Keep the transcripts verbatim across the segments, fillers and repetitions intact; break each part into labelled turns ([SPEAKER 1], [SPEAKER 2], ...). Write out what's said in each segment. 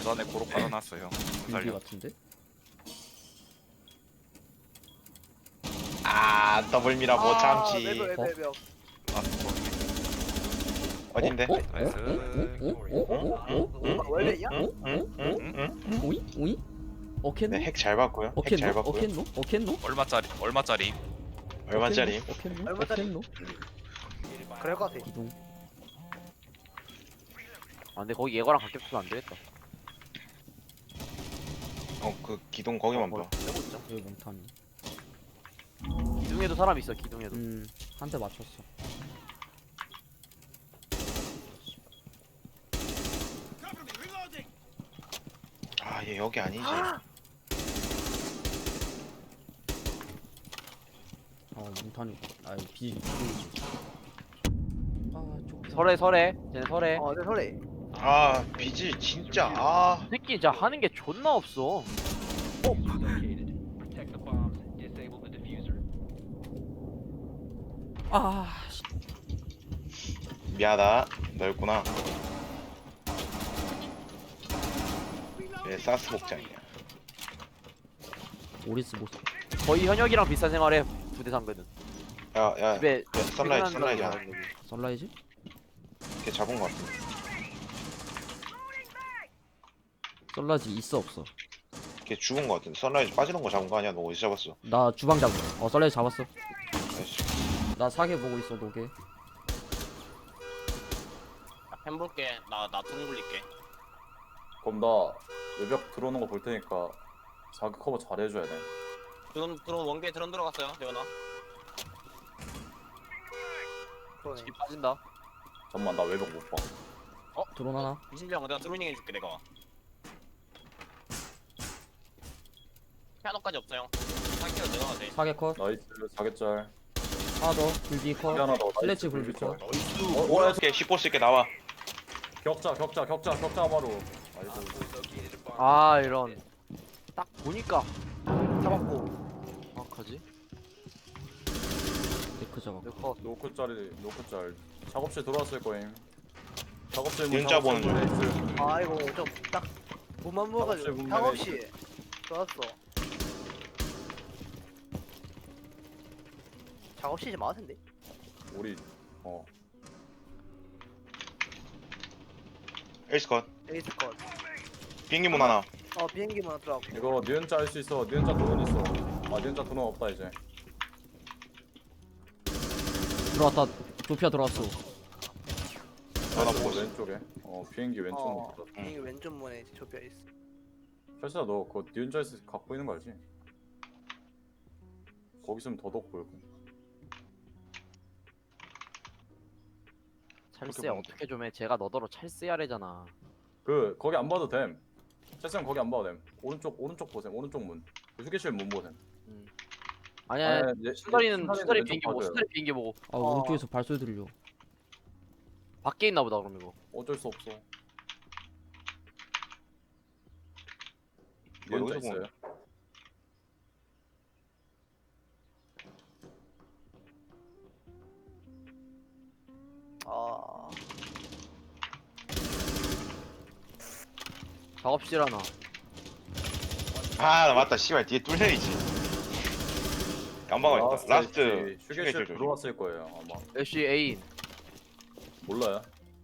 [SPEAKER 1] 계단에 고로 깔아놨어요.
[SPEAKER 2] 유비
[SPEAKER 1] 살려.
[SPEAKER 2] 같은데?
[SPEAKER 3] 아 더블미라 못 참지.
[SPEAKER 4] 매벽
[SPEAKER 2] 어?
[SPEAKER 4] 매벽 매벽.
[SPEAKER 1] 아, 뭐,
[SPEAKER 3] 어딘데?
[SPEAKER 2] 어?
[SPEAKER 1] 나이스.
[SPEAKER 4] 아, 원래야?
[SPEAKER 3] 응응응응.
[SPEAKER 2] 오이? 오이? 어켄노?
[SPEAKER 3] 네, 핵 잘 봤고요. 핵 잘
[SPEAKER 2] 어켄노?
[SPEAKER 3] 봤고요.
[SPEAKER 2] 어켄노? 어켄노?
[SPEAKER 1] 얼마짜리? 얼마짜리?
[SPEAKER 3] 얼마짜리?
[SPEAKER 2] 어켄노?
[SPEAKER 4] 얼마짜리?
[SPEAKER 2] 어켄노?
[SPEAKER 4] 그럴 것 같아.
[SPEAKER 2] 기둥.
[SPEAKER 5] 아 근데 거기 예거랑 같게 붙으면 안 되겠다.
[SPEAKER 3] 어 그 기둥 거기만
[SPEAKER 5] 어,
[SPEAKER 3] 봐.
[SPEAKER 5] 빼고 있자.
[SPEAKER 2] 여기 몽탄이.
[SPEAKER 5] 기둥에도 사람 있어. 기둥에도.
[SPEAKER 2] 음, 한 대 맞췄어.
[SPEAKER 3] 아 얘 여기 아니지.
[SPEAKER 2] 어, 몽탄이. 아, 비, 비중이지. 아, 쪽.
[SPEAKER 5] 설해 설해. 쟤네 설해.
[SPEAKER 4] 어, 내 설레.
[SPEAKER 3] 아 비지 진짜 아.
[SPEAKER 5] 새끼 진짜 하는 게 존나 없어.
[SPEAKER 2] 아, 씨.
[SPEAKER 3] 미안하다. 너였구나. 얘 사스 복장이야.
[SPEAKER 2] 오리스 모습.
[SPEAKER 5] 거의 현역이랑 비슷한 생활해. 부대 상대는.
[SPEAKER 3] 야야.
[SPEAKER 5] 집에
[SPEAKER 3] 선라이즈 선라이즈 하나.
[SPEAKER 2] 선라이즈?
[SPEAKER 3] 걔 잡은 거 같은데.
[SPEAKER 2] 선라이즈 있어 없어?
[SPEAKER 3] 걔 죽은 거 같은데. 선라이즈 빠지는 거 잡은 거 아니야? 너 어디 잡았어?
[SPEAKER 2] 나 주방 잡은 거. 어, 선라이즈 잡았어.
[SPEAKER 3] 아이씨.
[SPEAKER 2] 나 사계 보고 있어, 노게.
[SPEAKER 6] 펜 볼게. 나 나 등 굴릴게.
[SPEAKER 7] 그럼 나 외벽 들어오는 거 볼 테니까 자기 커버 잘 해줘야 돼.
[SPEAKER 6] 드론 드론 원개 드론 들어갔어요. 대현아.
[SPEAKER 4] 그러네.
[SPEAKER 5] 집 빠진다.
[SPEAKER 7] 잠만 나 외벽 못 봐.
[SPEAKER 2] 드론 하나?
[SPEAKER 6] 이신병 내가 드로닝 해줄게 내가. 피아노까지 없어요. 상키로 내가 돼.
[SPEAKER 2] 사계 컷.
[SPEAKER 7] 나이스 사개짤.
[SPEAKER 2] 하나 더. 불비 컷.
[SPEAKER 7] 사개 하나 더.
[SPEAKER 2] 슬래치
[SPEAKER 7] 나이스,
[SPEAKER 2] 불비
[SPEAKER 7] 불비
[SPEAKER 2] 컷.
[SPEAKER 7] 짤.
[SPEAKER 3] 어, 오라스게 십보 쓸게 나와.
[SPEAKER 7] 격자 격자 격자 격자 바로. 나이스.
[SPEAKER 5] 아 이런. 딱 보니까
[SPEAKER 4] 잡았고.
[SPEAKER 5] 정확하지.
[SPEAKER 2] 데크 작업.
[SPEAKER 5] 내 컷.
[SPEAKER 7] 노크짤이 노크짤. 작업실 들어왔을 거임. 작업실
[SPEAKER 3] 진짜 보는 중.
[SPEAKER 7] 중.
[SPEAKER 4] 아 이거 좀 딱 몸만
[SPEAKER 7] 작업실
[SPEAKER 4] 모아가지고
[SPEAKER 7] 분배네.
[SPEAKER 4] 상없이 좋았어. 작업실 좀 많을 텐데.
[SPEAKER 7] 우리 어
[SPEAKER 3] 에이스 컷.
[SPEAKER 4] 에이스 컷.
[SPEAKER 3] 비행기 문 하나.
[SPEAKER 4] 어 비행기만 들어가고.
[SPEAKER 7] 이거 니은자 할 수 있어. 니은자 돈은 있어. 아 니은자 돈은 없다 이제.
[SPEAKER 2] 들어왔다. 조피아 들어왔어.
[SPEAKER 3] 전화 보고 있어.
[SPEAKER 7] 왼쪽에. 어 비행기 왼쪽
[SPEAKER 4] 어
[SPEAKER 7] 어.
[SPEAKER 4] 비행기 왼쪽 문에 좁혀 있어.
[SPEAKER 7] 철수야 너 그거 니은자에서 갖고 있는 거 알지? 거기 있으면 더더욱 보이고.
[SPEAKER 5] 찰스야
[SPEAKER 3] 보면
[SPEAKER 5] 어떻게 좀 해. 제가 너더러 찰스야래잖아.
[SPEAKER 7] 그 거기 안 봐도 됨. 채쌤 거기 안 봐도 됨. 오른쪽 오른쪽 보셈. 오른쪽 문. 그 휴게실 문 보셈.
[SPEAKER 5] 아니야.
[SPEAKER 7] 아니, 얘-
[SPEAKER 5] 수다리는
[SPEAKER 7] 수다리는
[SPEAKER 5] 수다리
[SPEAKER 7] 왼쪽
[SPEAKER 5] 비행기 보고
[SPEAKER 7] 봐줘요.
[SPEAKER 5] 수다리 비행기 보고.
[SPEAKER 2] 아,
[SPEAKER 4] 어.
[SPEAKER 2] 오른쪽에서 발소리 들려.
[SPEAKER 5] 밖에 있나 보다 그럼 이거.
[SPEAKER 7] 어쩔 수 없어.
[SPEAKER 3] 뭐,
[SPEAKER 7] 니은자
[SPEAKER 3] 여기서
[SPEAKER 7] 있어요.
[SPEAKER 4] 아
[SPEAKER 5] 작업실 하나.
[SPEAKER 3] 아, 나 맞다. 씨발 뒤에 뚫려있지. 깜방아 있다. 라스트
[SPEAKER 7] 휴게실
[SPEAKER 3] 휴게실 조심.
[SPEAKER 7] 들어왔을 거예요 아마.
[SPEAKER 5] 애쉬 에인.
[SPEAKER 7] 몰라요.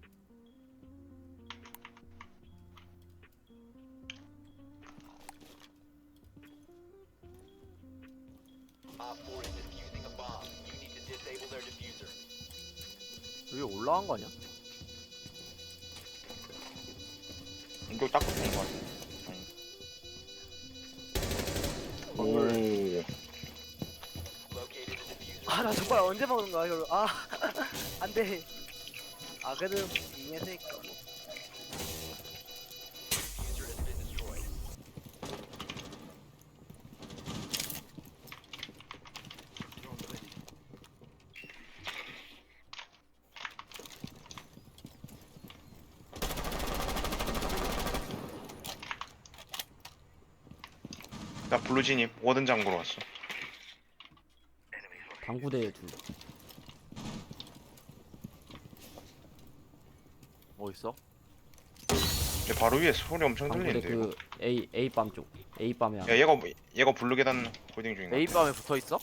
[SPEAKER 5] 여기 올라간 거 아니야?
[SPEAKER 3] 이거 딱 붙는 거 같아. 오.
[SPEAKER 4] 아 나 정말 언제 먹는 거야 이걸. 아 안돼. 아 그래도 이미 했으니까 뭐.
[SPEAKER 3] 나 블루 진입 워든 장구로 왔어.
[SPEAKER 2] 당구대에 둘.
[SPEAKER 5] 뭐 있어?
[SPEAKER 3] 내 바로 위에 소리 엄청
[SPEAKER 2] 방구대
[SPEAKER 3] 들리는데 이거.
[SPEAKER 2] 그 A A 밤 쪽. A 밤이야.
[SPEAKER 3] 야 얘가 얘가 블루 계단 홀딩 중인가?
[SPEAKER 5] A 밤에 붙어 있어?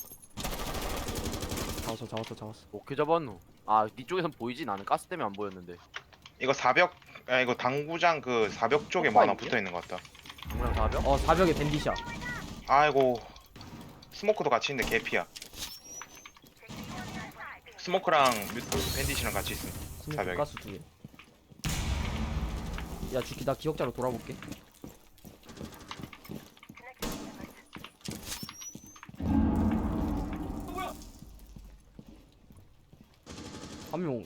[SPEAKER 2] 잡았어 잡았어 잡았어.
[SPEAKER 5] 오케이 잡았노. 아, 니 쪽에선 보이지? 나는 가스 때문에 안 보였는데.
[SPEAKER 3] 이거 사벽 아 이거 당구장 그 사벽 쪽에
[SPEAKER 5] 오빠
[SPEAKER 3] 뭐 하나
[SPEAKER 5] 있네?
[SPEAKER 3] 붙어 있는 것 같다.
[SPEAKER 5] 동그랑 사벽?
[SPEAKER 2] 어 사벽에 밴디샷.
[SPEAKER 3] 아이고 스모크도 같이 있는데 개피야. 스모크랑 뮤트 밴디시랑 같이 있음.
[SPEAKER 2] 스모크
[SPEAKER 3] 사벽에.
[SPEAKER 2] 가스 두 개. 야 주키 나 기억자로 돌아볼게. 한 명.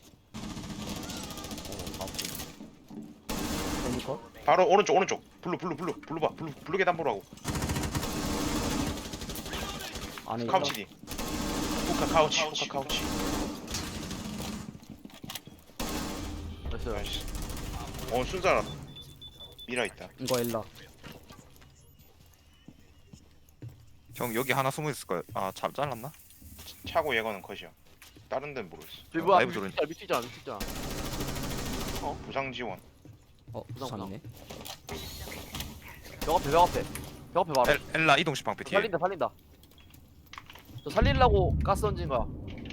[SPEAKER 2] 어, 아프. 애니컷?
[SPEAKER 3] 바로 오른쪽 오른쪽 블루 블루 블루 블루 봐 블루 블루 계단 보라고.
[SPEAKER 2] 안에 있다.
[SPEAKER 3] 카우치 뒤. 후카 카우치 후카 카우치.
[SPEAKER 5] 됐어요.
[SPEAKER 3] 나이스. 어 순자라. 미라 있다.
[SPEAKER 2] 이거 엘라.
[SPEAKER 1] 형 여기 하나 숨어 있을 거야. 아잘 잘랐나?
[SPEAKER 3] 차고 예거는 컷이야. 다른 데는 모르겠어.
[SPEAKER 5] 저기 뭐야?
[SPEAKER 1] 라이브 들어오니.
[SPEAKER 5] 밑에 있잖아, 밑에 있잖아.
[SPEAKER 3] 부상 지원.
[SPEAKER 2] 어
[SPEAKER 5] 부상,
[SPEAKER 2] 부상이네.
[SPEAKER 5] 벽 앞에, 벽 앞에. 벽 앞에 봐라.
[SPEAKER 1] 엘, 엘라 이동식 방패 뒤에.
[SPEAKER 5] 살린다, 살린다. 저 살리려고 가스 던진 거야.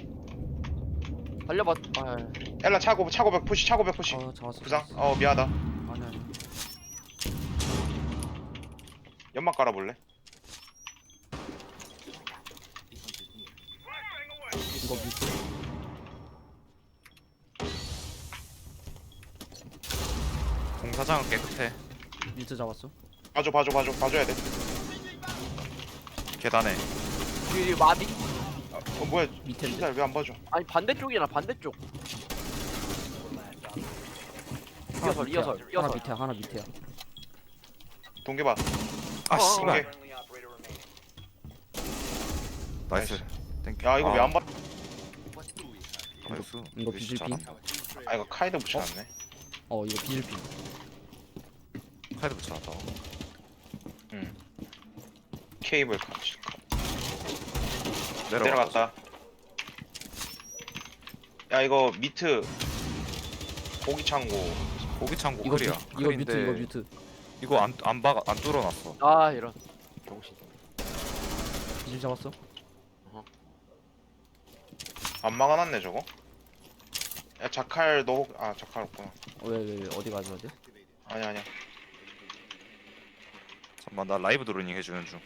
[SPEAKER 5] 살려봐. 아,
[SPEAKER 3] 엘라 차고 차고 백 푸시 차고 백 푸시.
[SPEAKER 2] 아 잡았어.
[SPEAKER 3] 부상?
[SPEAKER 2] 잡았어.
[SPEAKER 3] 어 미안하다.
[SPEAKER 2] 아니 아니.
[SPEAKER 3] 연막 깔아볼래?
[SPEAKER 2] 이거 밑에.
[SPEAKER 1] 공사장은 깨끗해.
[SPEAKER 2] 밑에 잡았어.
[SPEAKER 3] 봐줘 봐줘 봐줘 봐줘야 돼.
[SPEAKER 1] 계단에.
[SPEAKER 5] 뒤에 마비?
[SPEAKER 3] 어 뭐야?
[SPEAKER 2] 밑에.
[SPEAKER 3] 진짜 왜 안 봐줘?
[SPEAKER 5] 아니 반대쪽이나 반대쪽. 이어설, 이어설,
[SPEAKER 2] 하나
[SPEAKER 5] 이어설.
[SPEAKER 2] 밑에야 하나 밑에야.
[SPEAKER 3] 동계봐.
[SPEAKER 1] 아
[SPEAKER 5] 어,
[SPEAKER 1] 씨발.
[SPEAKER 3] 동계.
[SPEAKER 1] 나이스. 땡큐.
[SPEAKER 3] 야 이거
[SPEAKER 1] 아,
[SPEAKER 3] 왜 안 봐?
[SPEAKER 1] 나이스.
[SPEAKER 2] 이거
[SPEAKER 1] 역시
[SPEAKER 2] 비질핀?
[SPEAKER 1] 잘한다.
[SPEAKER 3] 아 이거 카이드 붙여놨네.
[SPEAKER 2] 어 이거 비질핀.
[SPEAKER 1] 카이드 붙여놨다.
[SPEAKER 3] 응. 케이블 카치.
[SPEAKER 1] 내려가.
[SPEAKER 3] 내려갔다. 야 이거 미트 고기 창고.
[SPEAKER 1] 고기 창고
[SPEAKER 2] 이거
[SPEAKER 1] 클리어.
[SPEAKER 2] 뮤, 이거 뮤트
[SPEAKER 1] 클리어인데
[SPEAKER 2] 이거 뮤트.
[SPEAKER 1] 이거 안안 박아 안 뚫어놨어.
[SPEAKER 5] 아, 이런. 정신.
[SPEAKER 2] 비질 잡았어?
[SPEAKER 3] 안 막아놨네 저거. 야 자칼 너 아 자칼 없구나.
[SPEAKER 2] 왜 왜 왜 어디 가져야 돼?
[SPEAKER 3] 아니야 아니야.
[SPEAKER 1] 잠깐만 나 라이브 드로닝 해주는 중.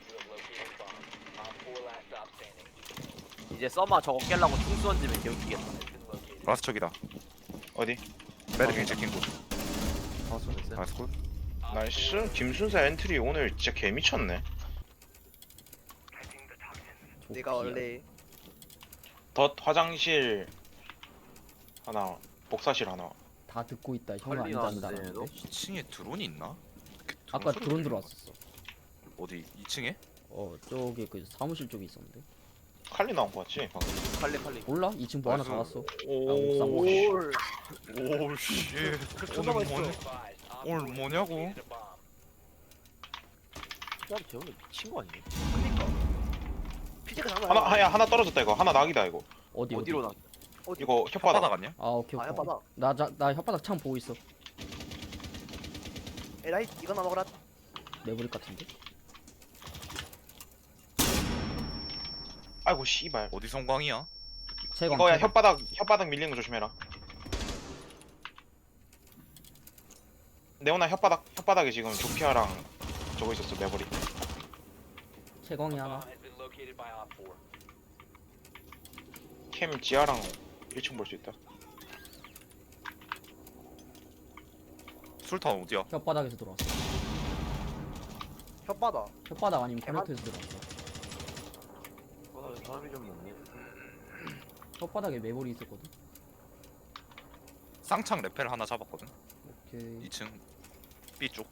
[SPEAKER 5] 이제 써마 저거 깰라고 충수 던지면 개웃기겠다.
[SPEAKER 1] 라스 척이다.
[SPEAKER 3] 어디?
[SPEAKER 1] 매드킹 체킹 굿.
[SPEAKER 2] 잡았어.
[SPEAKER 1] 나이스 굿.
[SPEAKER 3] 나이스. 김순사 엔트리 오늘 진짜 개 미쳤네.
[SPEAKER 4] 내가 원래
[SPEAKER 3] 덧 화장실 하나, 복사실 하나.
[SPEAKER 2] 다 듣고 있다. 형은
[SPEAKER 5] 빨리
[SPEAKER 2] 아니다
[SPEAKER 5] 나왔네,
[SPEAKER 2] 한다.
[SPEAKER 5] 너.
[SPEAKER 1] 이 층에 드론이 있나? 이렇게 드론
[SPEAKER 2] 아까
[SPEAKER 1] 소리
[SPEAKER 2] 드론
[SPEAKER 1] 들리네.
[SPEAKER 2] 들어왔었어.
[SPEAKER 1] 어디 이 층에?
[SPEAKER 2] 어 저기 그 사무실 쪽에 있었는데.
[SPEAKER 3] 칼리 나온 거 같지? 방금.
[SPEAKER 5] 빨리 빨리.
[SPEAKER 2] 몰라? 이 층 뭐 하나
[SPEAKER 1] 나이스.
[SPEAKER 2] 잡았어.
[SPEAKER 3] 오.
[SPEAKER 4] 올
[SPEAKER 1] 오씨.
[SPEAKER 4] 존나
[SPEAKER 1] 오늘
[SPEAKER 4] 맛있어.
[SPEAKER 1] 뭐냐? 오늘 뭐냐고?
[SPEAKER 5] 야, 재훈이 미친 거 아니야?
[SPEAKER 4] 피지가 장난
[SPEAKER 3] 하나
[SPEAKER 4] 아니야.
[SPEAKER 3] 야 하나 떨어졌다 이거. 하나 낙이다 이거.
[SPEAKER 2] 어디
[SPEAKER 5] 어디로
[SPEAKER 2] 어디?
[SPEAKER 5] 나?
[SPEAKER 4] 어디?
[SPEAKER 3] 이거
[SPEAKER 1] 혓바닥
[SPEAKER 3] 혓바닥.
[SPEAKER 1] 아니야?
[SPEAKER 2] 아 오케이
[SPEAKER 4] 아
[SPEAKER 2] 오케이.
[SPEAKER 4] 혓바닥.
[SPEAKER 2] 나나 혓바닥 창 보고 있어.
[SPEAKER 4] 에라이 이거 나 먹어라.
[SPEAKER 2] 내버릴 것 같은데.
[SPEAKER 3] 아이고 씨발.
[SPEAKER 1] 어디 성광이야?
[SPEAKER 2] 채광.
[SPEAKER 3] 이거야
[SPEAKER 2] 채광.
[SPEAKER 3] 혓바닥 혓바닥 밀리는 거 조심해라. 네오나 혓바닥 혓바닥에 지금 조피아랑 저거 있었어 메모리.
[SPEAKER 2] 채광이 하나.
[SPEAKER 3] 캠 지하랑 일 층 볼 수 있다.
[SPEAKER 1] 술탄 어디야?
[SPEAKER 2] 혓바닥에서 들어왔어.
[SPEAKER 4] 혓바다.
[SPEAKER 2] 혓바닥 아니면
[SPEAKER 4] 대박.
[SPEAKER 2] 코네트에서 들어왔어.
[SPEAKER 5] 어, 사람이 좀 먹네.
[SPEAKER 2] 혓바닥에 메모리 있었거든.
[SPEAKER 1] 쌍창 레펠 하나 잡았거든.
[SPEAKER 2] 오케이.
[SPEAKER 1] 이 층 B 쪽.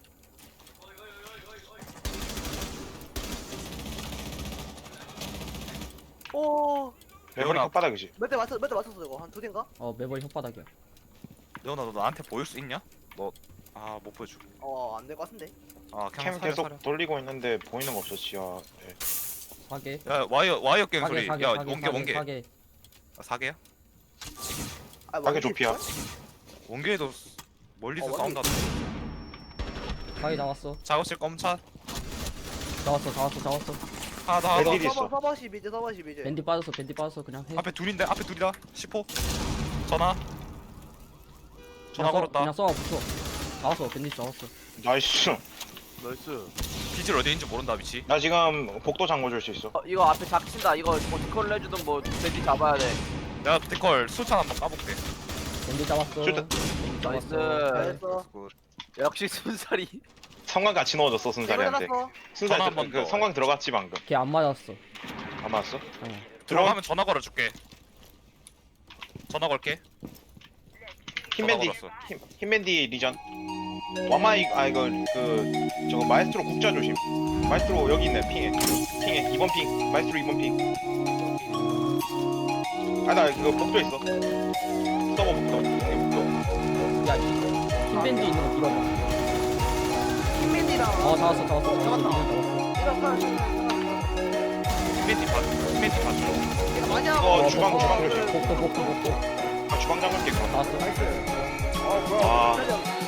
[SPEAKER 4] 오.
[SPEAKER 3] 메모리
[SPEAKER 1] 레오나.
[SPEAKER 3] 혓바닥이지.
[SPEAKER 4] 몇 대 맞췄 몇 대 맞췄어 이거 한 두 대인가?
[SPEAKER 2] 어 메모리 혓바닥이야.
[SPEAKER 1] 레오나 너 나한테 보일 수 있냐? 너 아 못 보여줘.
[SPEAKER 4] 어안 될 것 같은데.
[SPEAKER 1] 아
[SPEAKER 3] 캠
[SPEAKER 1] 그냥 사려
[SPEAKER 3] 계속
[SPEAKER 1] 사려.
[SPEAKER 3] 돌리고 있는데 보이는 거 없어 지하. 네.
[SPEAKER 2] 사계.
[SPEAKER 1] 야 와이어 와이어 깬
[SPEAKER 2] 사계
[SPEAKER 1] 소리.
[SPEAKER 2] 사계
[SPEAKER 1] 야
[SPEAKER 2] 사계
[SPEAKER 1] 원개 원개.
[SPEAKER 2] 사계.
[SPEAKER 1] 아, 사계야?
[SPEAKER 4] 아,
[SPEAKER 3] 가게 좁히야.
[SPEAKER 1] 원개도 멀리서
[SPEAKER 4] 어,
[SPEAKER 1] 싸운다.
[SPEAKER 2] 바위 나왔어.
[SPEAKER 1] 작업실 검차
[SPEAKER 2] 나왔어, 나왔어, 나왔어.
[SPEAKER 1] 하나 더 하나 더.
[SPEAKER 3] 밴디드 있어.
[SPEAKER 4] 서버 서버시 미드 서버시 미드.
[SPEAKER 2] 밴디 빠졌어, 밴디 빠졌어. 그냥 해.
[SPEAKER 1] 앞에 둘인데 앞에 둘이다. 십 호. 전화. 전화
[SPEAKER 2] 그냥 써,
[SPEAKER 1] 걸었다.
[SPEAKER 2] 그냥 써 붙여. 나왔어, 밴디 나왔어.
[SPEAKER 3] 나이스.
[SPEAKER 5] 나이스.
[SPEAKER 1] 비질 어디 있는지 모른다 위치.
[SPEAKER 3] 나 지금 복도 잠궈줄 수 있어.
[SPEAKER 5] 어, 이거 앞에 작친다. 이거 뭐 디컬 해주든 뭐 돼지 잡아야 돼.
[SPEAKER 1] 내가 데컬 수찬 한번 까볼게.
[SPEAKER 2] 밴디 잡았어.
[SPEAKER 3] 슈트.
[SPEAKER 5] 나이스.
[SPEAKER 4] 잘했어.
[SPEAKER 5] 역시 순살이.
[SPEAKER 3] 성광 같이 넣어줬어
[SPEAKER 4] 이거
[SPEAKER 3] 순살이한테.
[SPEAKER 4] 해놨어.
[SPEAKER 3] 순살
[SPEAKER 1] 전화
[SPEAKER 3] 들-
[SPEAKER 1] 한번
[SPEAKER 3] 그
[SPEAKER 1] 더.
[SPEAKER 3] 성광 들어갔지 방금.
[SPEAKER 2] 걔 안 맞았어.
[SPEAKER 3] 안 맞았어?
[SPEAKER 2] 어.
[SPEAKER 1] 들어가면 전화 걸어줄게. 전화 걸게.
[SPEAKER 3] 흰밴디
[SPEAKER 1] 전화 걸었어.
[SPEAKER 3] 흰, 흰밴디 리전. 와마이 아 이거 그 저거 마에스트로 국자 조심. 마에스트로 여기 있네 핑에. 핑에 이 번 핑. 마에스트로 이 번 핑. 아나 그거 복도 있어. 서버 복도. 형님 복도.
[SPEAKER 2] 야, 흰 밴디 있는 거 밀어봐.
[SPEAKER 4] 흰맨이랑.
[SPEAKER 2] 어, 잡았어, 잡았어.
[SPEAKER 4] 잡았다.
[SPEAKER 2] 잡았어.
[SPEAKER 1] 히메티 봐. 히메티 봐줘.
[SPEAKER 4] 이거 많이 하고.
[SPEAKER 3] 이거 주방 주방 조심.
[SPEAKER 2] 복도, 복도, 복도.
[SPEAKER 3] 아 주방 잠글게 그럼.
[SPEAKER 2] 나왔어.
[SPEAKER 4] 나이스. 어 뭐야?
[SPEAKER 3] 아.
[SPEAKER 4] 기다려.